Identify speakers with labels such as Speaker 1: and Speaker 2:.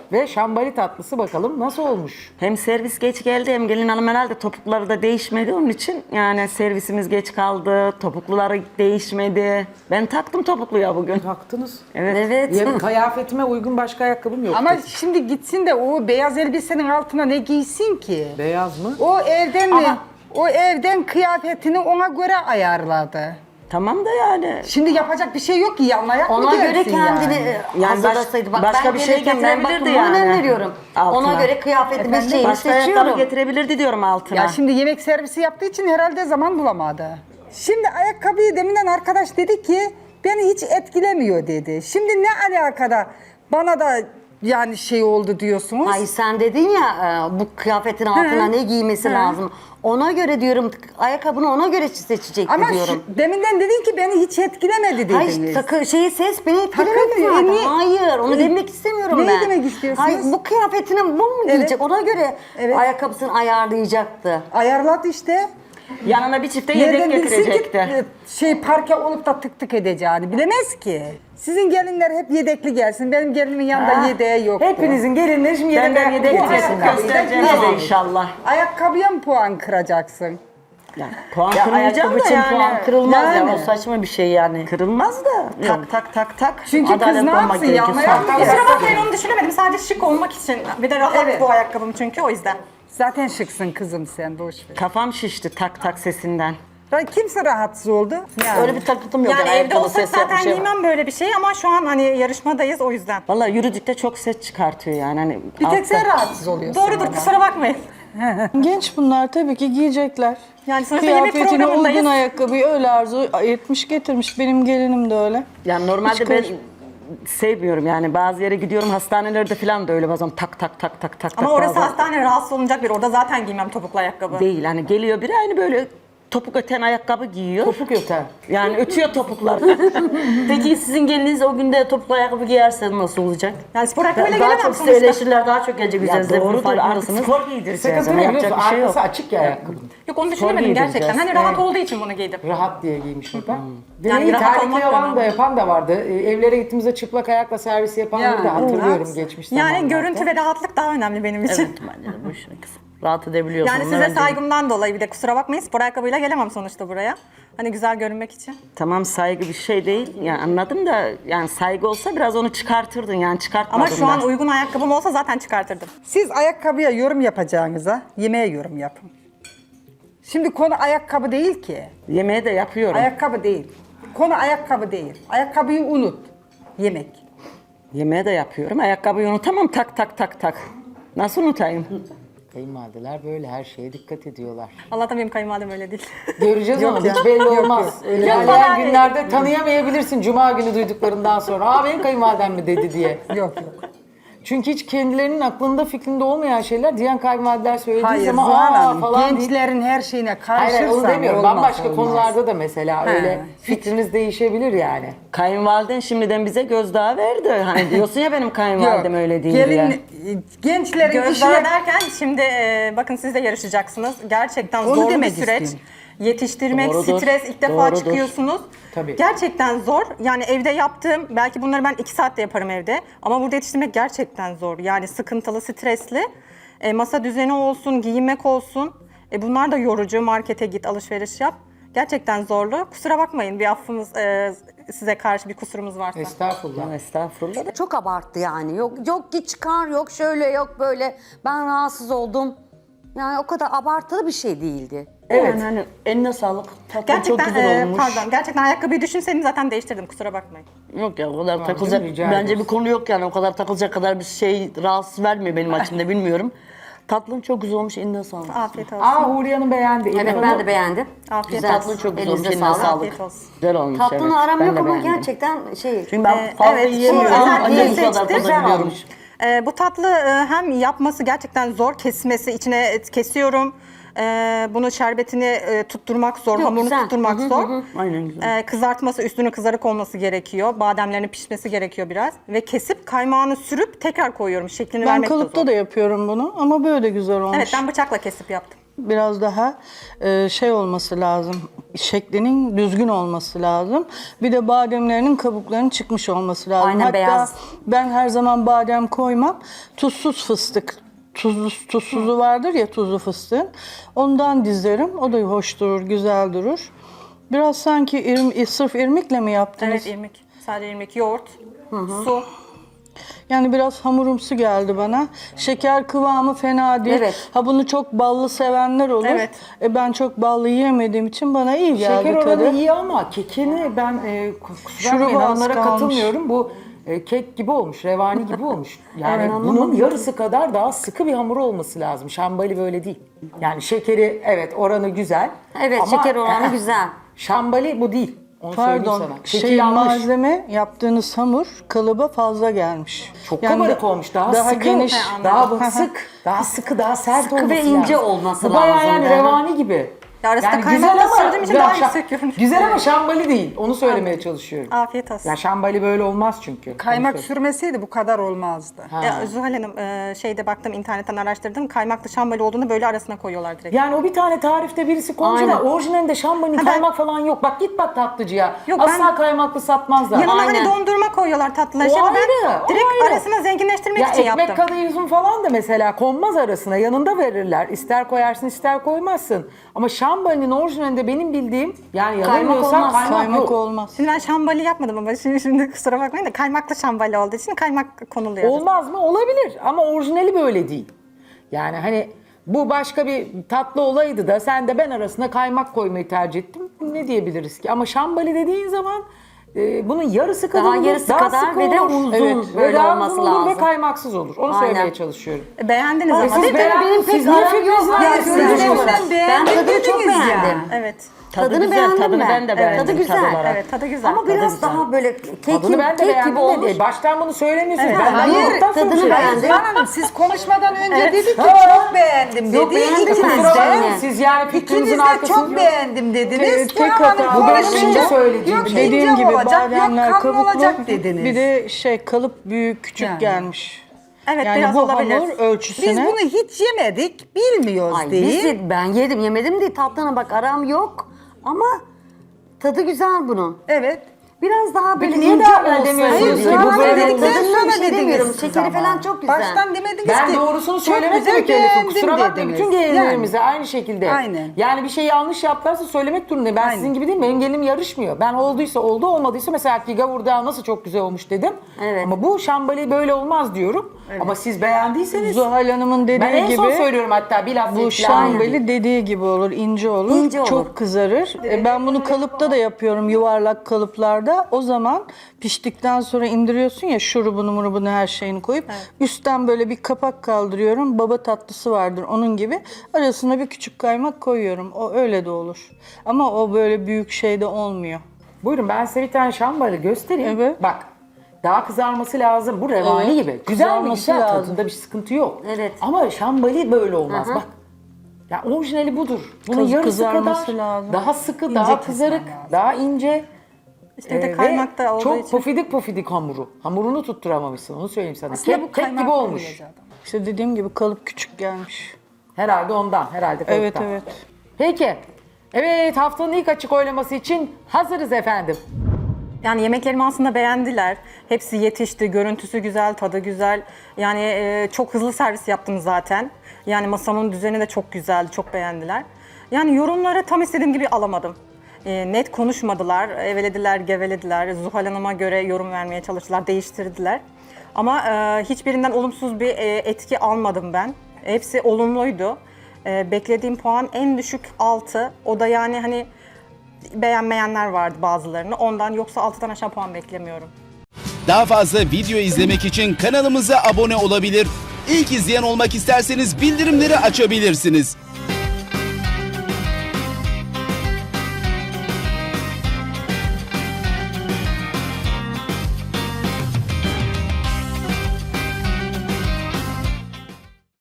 Speaker 1: ve şambali tatlısı bakalım nasıl olmuş?
Speaker 2: Hem servis geç geldi hem gelin hanım herhalde topukları da değişmedi onun için. Yani servisimiz geç kaldı, topukluları değişmedi. Ben taktım topukluya bugün.
Speaker 1: Taktınız.
Speaker 2: Evet.
Speaker 1: Ya, kıyafetime uygun başka ayakkabım yok.
Speaker 3: Ama şimdi gitsin de o beyaz elbisenin altına ne giysin ki?
Speaker 1: Beyaz mı?
Speaker 3: O evden
Speaker 2: Ama-
Speaker 3: o evden kıyafetini ona göre ayarladı.
Speaker 2: Tamam da yani.
Speaker 3: Şimdi yapacak bir şey yok ki yanına ayak mı
Speaker 4: Ona göre
Speaker 3: gelsin
Speaker 4: kendini
Speaker 3: yani?
Speaker 4: hazırlasaydı. Bak
Speaker 2: başka
Speaker 4: ben
Speaker 2: bir şey
Speaker 4: gelirken
Speaker 2: getirebilirdi
Speaker 4: ben bakımını
Speaker 2: yani.
Speaker 4: veriyorum.
Speaker 2: Altına.
Speaker 4: Ona göre kıyafetimi şeyimi
Speaker 2: Başka ayakkabı
Speaker 4: seçiyorum.
Speaker 2: getirebilirdi diyorum altına.
Speaker 3: Ya şimdi yemek servisi yaptığı için herhalde zaman bulamadı. Şimdi ayakkabıyı deminden arkadaş dedi ki beni hiç etkilemiyor dedi. Şimdi ne alakada bana da yani şey oldu diyorsunuz.
Speaker 4: Ay sen dedin ya bu kıyafetin altına ne giymesi lazım. Ona göre diyorum ayakkabını ona göre seçecek
Speaker 3: Ama
Speaker 4: diyorum.
Speaker 3: deminden dedin ki beni hiç etkilemedi dediniz.
Speaker 4: Hayır ses beni etkilemedi
Speaker 3: Takılmıyor,
Speaker 4: zaten.
Speaker 3: niye-
Speaker 4: Hayır onu demek istemiyorum
Speaker 3: Neyi
Speaker 4: ben.
Speaker 3: demek istiyorsunuz?
Speaker 4: Hayır bu kıyafetini bu mu giyecek? Ona göre
Speaker 3: Evet.
Speaker 4: ayakkabısını ayarlayacaktı.
Speaker 3: Ayarladı işte.
Speaker 2: Yanına bir çifte yedek
Speaker 3: Nereden bilsin ki
Speaker 2: getirecekti.
Speaker 3: şey parke olup da tık tık edeceğini bilemez ki. Sizin gelinler hep yedekli gelsin. Benim gelinimin yanında yedeği yoktu.
Speaker 1: Hepinizin gelinleri şimdi
Speaker 2: Benden
Speaker 1: yedek
Speaker 2: yedek
Speaker 3: Bu
Speaker 2: getirsin.
Speaker 3: ayakkabıyı da
Speaker 2: Göstereceğim
Speaker 3: giyemem.
Speaker 2: size inşallah.
Speaker 3: Ayakkabıya mı puan kıracaksın?
Speaker 2: Yani puan kırmayacağım da yani.
Speaker 5: puan kırılmaz
Speaker 3: Yani.
Speaker 5: ya. O saçma bir şey yani.
Speaker 2: Kırılmaz da. Tak tak tak tak.
Speaker 3: Çünkü kız
Speaker 5: Adalet
Speaker 3: ne
Speaker 5: olmak
Speaker 3: yapsın?
Speaker 5: gerekiyor.
Speaker 3: Yanına ayak mı
Speaker 6: Kusura
Speaker 3: gelsin?
Speaker 6: bakmayın onu düşünemedim. Sadece şık olmak için. Bir de rahat
Speaker 3: Evet.
Speaker 6: bu ayakkabım çünkü o yüzden.
Speaker 3: Zaten şıksın kızım sen boş ver.
Speaker 2: Kafam şişti tak tak sesinden.
Speaker 3: Kimse rahatsız oldu. Yani.
Speaker 5: Öyle bir takıntım yok.
Speaker 6: Yani evde
Speaker 5: ayakkabı
Speaker 6: olsak
Speaker 5: sesi yapmış
Speaker 6: zaten
Speaker 5: şey.
Speaker 6: giymem böyle bir şey ama şu an hani yarışmadayız o yüzden.
Speaker 2: Vallahi yürüdükçe çok ses çıkartıyor yani. Hani
Speaker 3: Bir tek
Speaker 2: altta-
Speaker 3: sen rahatsız oluyorsun.
Speaker 6: Doğrudur
Speaker 3: ama.
Speaker 6: kusura bakmayın.
Speaker 7: Genç bunlar tabii ki giyecekler.
Speaker 6: Yani sonuçta yemek
Speaker 7: Kıyafetine
Speaker 6: programındayız.
Speaker 7: uygun ayakkabıyı öyle arzu etmiş getirmiş. Benim gelinim de öyle.
Speaker 2: Yani normalde
Speaker 7: Hiç
Speaker 2: ben
Speaker 7: karış-
Speaker 2: sevmiyorum yani bazı yere gidiyorum hastanelerde falan da öyle bazen tak tak tak tak tak.
Speaker 6: Ama
Speaker 2: tak,
Speaker 6: orası
Speaker 2: bazen-
Speaker 6: hastane rahatsız olunacak bir. Orada zaten giymem topuklu ayakkabı.
Speaker 2: Değil hani geliyor biri aynı böyle topuk öten ayakkabı giyiyor.
Speaker 1: Topuk öter.
Speaker 2: Yani ötüyor topuklar.
Speaker 5: Peki sizin geliniz o günde topuklu ayakkabı giyerse nasıl olacak?
Speaker 6: Yani spor ayakkabıyla
Speaker 5: Daha
Speaker 6: gelemem
Speaker 5: çok size
Speaker 6: sonuçta.
Speaker 5: eleştiriler daha çok gelecek
Speaker 2: Ya
Speaker 5: üzerinize. Bunun
Speaker 2: doğrudur artık
Speaker 5: farkındasınız.
Speaker 2: spor giydireceğiz.
Speaker 1: Sıkıntı
Speaker 2: Ona
Speaker 1: ne
Speaker 2: yapacak
Speaker 1: biliyorsun?
Speaker 2: bir şey yok.
Speaker 1: Arkası açık ya ayakkabının.
Speaker 6: Yok onu
Speaker 2: Spor
Speaker 6: düşünemedim
Speaker 2: giydireceğiz.
Speaker 6: gerçekten. Hani rahat olduğu için bunu giydim.
Speaker 1: Rahat diye giymiş o da.
Speaker 6: Yani
Speaker 1: Deneyi
Speaker 6: rahat
Speaker 1: terlikli
Speaker 6: olmak
Speaker 1: yalan
Speaker 6: önemli.
Speaker 1: da yapan da vardı. Evlere gittiğimizde çıplak ayakla servis yapanları da hatırlıyorum geçmiş zamanlarda.
Speaker 6: Yani görüntü ve rahatlık daha önemli benim için.
Speaker 5: Evet bence de bu işin kızım. Rahat edebiliyorsun.
Speaker 6: Yani size saygımdan dolayı bir de kusura bakmayın spor ayakkabıyla gelemem sonuçta buraya. Hani güzel görünmek için.
Speaker 2: Tamam saygı bir şey değil. Yani anladım da yani saygı olsa biraz onu çıkartırdın yani çıkartmadın
Speaker 6: Ama şu an
Speaker 2: da.
Speaker 6: uygun ayakkabım olsa zaten çıkartırdım.
Speaker 3: Siz ayakkabıya yorum yapacağınıza yemeğe yorum yapın. Şimdi konu ayakkabı değil ki.
Speaker 2: Yemeği de yapıyorum.
Speaker 3: Ayakkabı değil. Konu ayakkabı değil. Ayakkabıyı unut. Yemek.
Speaker 2: Yemeği de yapıyorum. Ayakkabıyı unutamam tak tak tak tak. Nasıl unutayım?
Speaker 1: Kayınvalideler böyle her şeye dikkat ediyorlar.
Speaker 6: Allah'tan benim kayınvalidem öyle değil.
Speaker 1: Göreceğiz onu hiç belli olmaz. Öyle ilerleyen günlerde tanıyamayabilirsin cuma günü duyduklarından sonra. Aa benim kayınvalidem mi dedi diye.
Speaker 3: Yok yok.
Speaker 1: Çünkü hiç kendilerinin aklında fikrinde olmayan şeyler diyen kayınvalideler söylediği
Speaker 3: Hayır
Speaker 1: zaman
Speaker 3: Zuhal
Speaker 1: aa
Speaker 3: Hanım,
Speaker 1: falan deyip.
Speaker 3: gençlerin her şeyine
Speaker 1: Hayır
Speaker 3: karşırsan
Speaker 1: onu demiyorum.
Speaker 3: olmaz,
Speaker 1: Bambaşka
Speaker 3: olmaz.
Speaker 1: konularda da mesela
Speaker 3: He.
Speaker 1: öyle fikriniz değişebilir yani.
Speaker 2: Kayınvaliden şimdiden bize gözdağı verdi. Hani diyorsun ya benim kayınvalidem
Speaker 3: Yok.
Speaker 2: öyle değil diye.
Speaker 3: Gençlerin
Speaker 6: Gözdağı
Speaker 3: işine...
Speaker 6: derken şimdi bakın siz de yarışacaksınız. Gerçekten
Speaker 3: Onu
Speaker 6: zor bir
Speaker 3: demek
Speaker 6: süreç.
Speaker 3: istiyorum.
Speaker 6: Yetiştirmek,
Speaker 2: Doğrudur,
Speaker 6: stres ilk defa
Speaker 2: doğrudur.
Speaker 6: çıkıyorsunuz.
Speaker 1: Tabii.
Speaker 6: Gerçekten zor. Yani evde yaptığım, belki bunları ben 2 saatte yaparım evde. Ama burada yetiştirmek gerçekten zor. Yani sıkıntılı, stresli. Masa düzeni olsun, giyinmek olsun. Bunlar da yorucu. Markete git, alışveriş yap. Gerçekten zorlu. Kusura bakmayın bir affımız size karşı bir kusurumuz varsa.
Speaker 1: Estağfurullah.
Speaker 2: Estağfurullah.
Speaker 4: Çok abarttı yani. Yok git çıkar, yok şöyle, yok böyle. Ben rahatsız oldum. Yani o kadar abartılı bir şey değildi.
Speaker 1: Evet.
Speaker 5: Yani hani eline sağlık. Tatlım çok
Speaker 6: Gerçekten
Speaker 5: güzel olmuş.
Speaker 6: pardon. Gerçekten ayakkabıyı düşünseydim zaten değiştirdim. Kusura bakmayın.
Speaker 5: Yok ya o kadar
Speaker 1: Tamam,
Speaker 5: takılacak.
Speaker 1: rica
Speaker 5: Bence
Speaker 1: ederiz.
Speaker 5: bir konu yok yani. O kadar takılacak kadar bir şey rahatsız vermiyor benim açımda bilmiyorum. Tatlın çok güzel olmuş. Eline sağlık.
Speaker 6: Afiyet olsun.
Speaker 1: Aa Huriye Hanım beğendi.
Speaker 4: Evet
Speaker 1: Elif
Speaker 4: ben
Speaker 1: Hanım-
Speaker 4: de beğendim.
Speaker 6: Afiyet
Speaker 4: Güzel.
Speaker 5: Tatlın çok güzel olmuş.
Speaker 4: Elinize
Speaker 5: Eline
Speaker 4: sağlık.
Speaker 5: sağlık.
Speaker 6: Afiyet olsun.
Speaker 2: Güzel olmuş
Speaker 4: Tatlını
Speaker 2: evet.
Speaker 4: aram
Speaker 2: Ben
Speaker 4: yok
Speaker 2: de
Speaker 4: ama
Speaker 2: beğendim.
Speaker 4: gerçekten şey...
Speaker 5: Çünkü ben fazla
Speaker 6: evet,
Speaker 5: yiyemiyorum.
Speaker 6: bu
Speaker 5: Ancak
Speaker 6: özelliği
Speaker 5: bu kadar
Speaker 6: seçtim.
Speaker 5: tadabiliyorum.
Speaker 6: Bu tatlı hem yapması gerçekten zor, kesmesi, içine kesiyorum. Bunu şerbetini tutturmak zor,
Speaker 4: Yok,
Speaker 6: hamurunu
Speaker 4: güzel.
Speaker 6: tutturmak zor.
Speaker 5: Aynen güzel.
Speaker 6: Kızartması, üstünün kızarık olması gerekiyor. Bademlerinin pişmesi gerekiyor biraz. Ve kesip kaymağını sürüp tekrar koyuyorum. Şeklini
Speaker 7: Ben
Speaker 6: vermek de zor.
Speaker 7: kalıpta da yapıyorum bunu ama böyle güzel olmuş.
Speaker 6: Evet, ben bıçakla kesip yaptım.
Speaker 7: Biraz daha şey olması lazım. Şeklinin düzgün olması lazım. Bir de bademlerinin kabuklarının çıkmış olması lazım.
Speaker 4: Aynen,
Speaker 7: Hatta
Speaker 4: beyaz.
Speaker 7: ben her zaman badem koymam. Tuzsuz fıstık. Tuzsuzu vardır ya, tuzlu fıstığın. Ondan dizerim. O da hoş durur, güzel durur. Biraz sanki sırf irmikle mi yaptınız?
Speaker 6: Evet, irmik. Sadece irmik, yoğurt, su.
Speaker 7: Yani biraz hamurumsu geldi bana. Şeker kıvamı fena değil.
Speaker 4: Evet.
Speaker 7: Ha, bunu çok ballı sevenler olur.
Speaker 6: Evet.
Speaker 7: Ben çok ballı yiyemediğim için bana iyi geldi
Speaker 1: Şeker
Speaker 7: tadı.
Speaker 1: oranı iyi ama kekini ben kusura
Speaker 7: Şurubu
Speaker 1: bakmayın,
Speaker 7: az
Speaker 1: onlara
Speaker 7: kalmış.
Speaker 1: katılmıyorum. Bu kek gibi olmuş, revani gibi olmuş. Yani bunun yarısı kadar daha sıkı bir hamur olması lazım. Şambali böyle değil. Yani şekeri evet oranı güzel.
Speaker 4: Evet,
Speaker 1: ama,
Speaker 4: şeker oranı güzel.
Speaker 1: Şambali bu değil. Onu söyleyeyim
Speaker 7: Pardon,
Speaker 1: sana. Keki yanlış.
Speaker 7: malzeme yaptığınız hamur kalıba fazla gelmiş.
Speaker 1: Çok
Speaker 7: Yani
Speaker 1: kabarık olmuş. Daha sıkı,
Speaker 7: geniş.
Speaker 1: daha sık, daha sıkı, daha sert
Speaker 4: Sıkı
Speaker 1: olması
Speaker 4: ve ince
Speaker 1: lazım.
Speaker 4: olması
Speaker 1: Bu bayağı
Speaker 4: lazım
Speaker 1: yani
Speaker 4: yani.
Speaker 1: revani gibi.
Speaker 6: Ya arasında
Speaker 1: Yani
Speaker 6: kaymak
Speaker 1: güzel
Speaker 6: da
Speaker 1: ama
Speaker 6: sürdüğüm için
Speaker 1: ya
Speaker 6: daha yüksek görünüyor.
Speaker 1: güzel ama şambali değil. Onu söylemeye çalışıyorum.
Speaker 6: Afiyet olsun.
Speaker 1: Ya şambali böyle olmaz çünkü.
Speaker 3: Kaymak
Speaker 1: Onu söyle-
Speaker 3: sürmeseydi bu kadar olmazdı.
Speaker 6: Zuhal Hanım, şeyde baktım, internetten araştırdım. Kaymaklı şambali olduğunu böyle arasına koyuyorlar direkt.
Speaker 1: Yani o bir tane tarifte birisi koymuş
Speaker 4: Aynen.
Speaker 1: ama orijinalinde şambalinin kaymak falan yok. Bak git bak tatlıcıya.
Speaker 6: Yok,
Speaker 1: Asla kaymaklı satmazlar.
Speaker 6: Yanına
Speaker 4: Aynen.
Speaker 6: hani dondurma koyuyorlar tatlılar.
Speaker 1: O
Speaker 6: Şimdi
Speaker 1: ayrı,
Speaker 6: ben
Speaker 1: o
Speaker 6: direkt
Speaker 1: ayrı.
Speaker 6: arasına zenginleştirmek
Speaker 1: Ya
Speaker 6: için
Speaker 1: ekmek
Speaker 6: yaptım.
Speaker 1: kadayıfın falan da mesela konmaz arasına. Yanında verirler. İster koyarsın ister koymazsın. Ama şambalinin orijinalinde benim bildiğim yani yanılmıyorsam
Speaker 4: olmaz.
Speaker 1: kaymak,
Speaker 7: Kaymak
Speaker 1: yok.
Speaker 7: olmaz.
Speaker 6: Şimdi ben şambali yapmadım ama şimdi kusura bakmayın da kaymaklı şambali olduğu için kaymak konuluyor.
Speaker 1: Olmaz mı? Olabilir ama orijinali böyle değil. Yani hani bu başka bir tatlı olaydı da sen de ben arasına kaymak koymayı tercih ettim. Ne diyebiliriz ki? Ama şambali dediğin zaman bunun yarısı kadar
Speaker 4: Daha
Speaker 1: olur,
Speaker 4: yarısı
Speaker 1: daha
Speaker 4: kadar
Speaker 1: sıkı
Speaker 4: ve de
Speaker 1: olur.
Speaker 4: uzun
Speaker 1: ve
Speaker 4: böyle
Speaker 1: daha
Speaker 4: olması
Speaker 1: uzun olur ve
Speaker 4: lazım.
Speaker 1: kaymaksız olur. Onu
Speaker 4: Aynen.
Speaker 1: söylemeye çalışıyorum.
Speaker 6: Beğendiniz ama
Speaker 1: Siz
Speaker 6: değil mi?
Speaker 1: beğendiniz, siz niye fikrinizi
Speaker 3: Ya
Speaker 1: veriyorsunuz?
Speaker 3: siz
Speaker 4: olarak.
Speaker 3: ben
Speaker 4: Ben tadını çok
Speaker 3: dediniz ya.
Speaker 4: beğendim.
Speaker 6: Evet.
Speaker 4: Tadını
Speaker 7: güzel,
Speaker 4: beğendim
Speaker 7: tadını
Speaker 4: ben.
Speaker 7: ben de beğendim
Speaker 4: Tadı güzel.
Speaker 7: tad olarak.
Speaker 6: Evet, tadı güzel.
Speaker 4: Ama
Speaker 6: Tadı
Speaker 4: biraz
Speaker 6: güzel.
Speaker 4: daha böyle
Speaker 1: Tadını ben de
Speaker 4: kek gibi
Speaker 1: beğendim
Speaker 4: olmuş.
Speaker 1: dedi. Baştan bunu söylemiyorsunuz.
Speaker 4: Evet.
Speaker 1: Ben
Speaker 3: Hayır,
Speaker 1: yoğurduktan sonra
Speaker 4: tadını
Speaker 1: söylüyorum.
Speaker 4: beğendim.
Speaker 3: Zuhal Hanım siz konuşmadan önce dedi ki
Speaker 1: Ha.
Speaker 3: çok beğendim
Speaker 4: Yok,
Speaker 3: dedi.
Speaker 4: beğendim
Speaker 3: İkiniz
Speaker 4: ben.
Speaker 1: Kusura bakmayın,
Speaker 3: de.
Speaker 1: siz yani
Speaker 3: İkiniz
Speaker 1: fikrinizin
Speaker 3: de
Speaker 1: arkasında
Speaker 3: çok beğendim dediniz.
Speaker 7: Tek
Speaker 3: Zuhal Hanım
Speaker 7: hata.
Speaker 1: Bu benim
Speaker 3: konuşunca
Speaker 1: şimdi söylediğim.
Speaker 3: yok
Speaker 7: Dediğim
Speaker 3: ince
Speaker 7: gibi
Speaker 3: olacak,
Speaker 7: bademler
Speaker 3: yok kalın
Speaker 7: kabuklu.
Speaker 3: olacak dediniz.
Speaker 7: Bir de kalıp büyük küçük
Speaker 3: Yani.
Speaker 7: gelmiş.
Speaker 6: Evet,
Speaker 7: Yani
Speaker 6: biraz
Speaker 7: bu
Speaker 6: olabilir.
Speaker 7: hamur ölçüsüne.
Speaker 3: Biz bunu hiç yemedik, bilmiyoruz
Speaker 4: Ay,
Speaker 3: değil.
Speaker 4: ben yedim yemedim değil, tatlına bak aram yok ama tadı güzel bunun.
Speaker 3: Evet.
Speaker 4: Biraz daha böyle
Speaker 1: Peki niye
Speaker 4: ince
Speaker 1: daha ben
Speaker 4: olsaydı.
Speaker 1: demiyorsunuz
Speaker 3: Hayır,
Speaker 1: ki?
Speaker 3: Zuhal
Speaker 1: Bu
Speaker 3: Hanım
Speaker 1: böyle
Speaker 3: dedikten
Speaker 1: olmaz.
Speaker 4: Tadından bir
Speaker 3: sonra
Speaker 4: şey demiyorum.
Speaker 3: dediniz siz
Speaker 4: Şekeri
Speaker 3: ama.
Speaker 4: falan çok güzel.
Speaker 3: Baştan demediniz
Speaker 1: Ben
Speaker 3: ki.
Speaker 1: doğrusunu
Speaker 3: çok
Speaker 1: söylemek
Speaker 3: güzel
Speaker 1: mükellefim.
Speaker 3: beğendim
Speaker 1: Kusura bakmayın.
Speaker 3: dediniz.
Speaker 1: Bütün gelinlerimize
Speaker 3: Yani.
Speaker 1: aynı şekilde.
Speaker 3: Aynen.
Speaker 1: Yani bir şey yanlış yaptılarsa söylemek durumundayım. Ben
Speaker 3: Aynen.
Speaker 1: sizin gibi değil, benim gelinim yarışmıyor. Ben olduysa oldu, olmadıysa mesela ki gavurda nasıl çok güzel olmuş dedim.
Speaker 4: Evet.
Speaker 1: Ama bu şambali böyle olmaz diyorum. Ama siz beğendiyseniz
Speaker 7: Zuhal Hanım'ın dediği
Speaker 1: ben en son
Speaker 7: gibi
Speaker 1: söylüyorum hatta bir laf
Speaker 7: bu
Speaker 1: değil,
Speaker 7: şambali dediği gibi olur, ince olur.
Speaker 4: İnce olur.
Speaker 7: Çok kızarır. Ben bunu kalıpta da yapıyorum, yuvarlak kalıplarda. O zaman piştikten sonra indiriyorsun ya, şurubunu murubunu her şeyini koyup üstten böyle bir kapak kaldırıyorum. Baba tatlısı vardır onun gibi. Arasına bir küçük kaymak koyuyorum. O öyle de olur. Ama o böyle büyük şeyde olmuyor.
Speaker 1: Buyurun ben size bir tane şambali göstereyim.
Speaker 7: Evet.
Speaker 1: Bak daha kızarması lazım. Bu revani
Speaker 7: Evet,
Speaker 1: gibi. Güzel mi?
Speaker 7: kızarması
Speaker 1: Güzel.
Speaker 7: lazım.
Speaker 1: Tadında bir sıkıntı yok.
Speaker 4: Evet.
Speaker 1: Ama şambali böyle olmaz. Bak. Ya orijinali budur. Bunun yarısı
Speaker 7: kızarması
Speaker 1: kadar
Speaker 7: lazım.
Speaker 1: daha sıkı, daha kızarık, daha ince.
Speaker 6: İşte bir de
Speaker 1: ve
Speaker 6: kaymak da olduğu
Speaker 1: çok
Speaker 6: için.
Speaker 1: pofidik pofidik hamuru. Hamurunu tutturamamışsın onu söyleyeyim sana.
Speaker 3: Aslında bu
Speaker 1: Kek
Speaker 3: kaymak
Speaker 1: gibi olmuş.
Speaker 3: koyulacak.
Speaker 7: İşte dediğim gibi kalıp küçük gelmiş.
Speaker 1: Herhalde ondan. Herhalde
Speaker 7: Evet,
Speaker 1: kalıptan.
Speaker 7: evet.
Speaker 1: Peki. Evet haftanın ilk açık oylaması için hazırız efendim.
Speaker 6: Yani yemeklerimi aslında beğendiler. Hepsi yetişti, görüntüsü güzel, tadı güzel. Yani çok hızlı servis yaptım zaten. Yani masamın düzeni de çok güzeldi, çok beğendiler. Yani yorumları tam istediğim gibi alamadım. Net konuşmadılar, evelediler, gevelediler. Zuhal Hanım'a göre yorum vermeye çalıştılar, değiştirdiler. Ama hiçbirinden olumsuz bir etki almadım ben. Hepsi olumluydu. Beklediğim puan en düşük 6. O da yani hani beğenmeyenler vardı bazılarını. Ondan yoksa 6'dan aşağı puan beklemiyorum.
Speaker 8: Daha fazla video izlemek için kanalımıza abone olabilir. İlk izleyen olmak isterseniz bildirimleri açabilirsiniz.